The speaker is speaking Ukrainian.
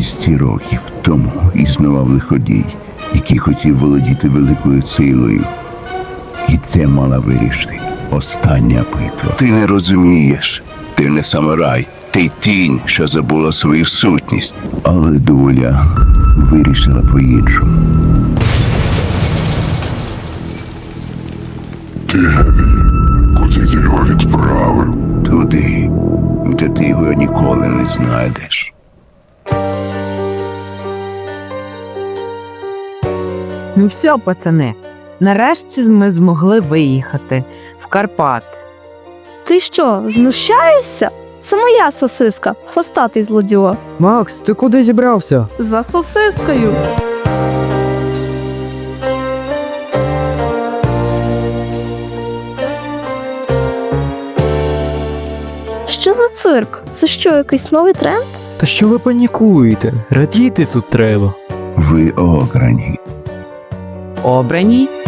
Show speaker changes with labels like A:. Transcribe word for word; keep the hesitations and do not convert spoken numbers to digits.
A: двісті років тому існував лиходій, який хотів володіти великою силою. І це мала вирішити остання битва. Ти не розумієш. Ти не самурай. Ти тінь, що забула свою сутність. Але доля вирішила по-іншому.
B: Куди ти його відправив?
A: Туди, де ти його ніколи не знайдеш.
C: Ну все, пацани, нарешті ми змогли виїхати в Карпати.
D: Ти що, знущаєшся? Це моя сосиска, хвостатий злодюга.
E: Макс, ти куди зібрався?
D: За сосискою. Що за цирк? Це що, якийсь новий тренд?
E: Та що ви панікуєте? Радіти тут треба.
A: Ви ограні.
C: Обрані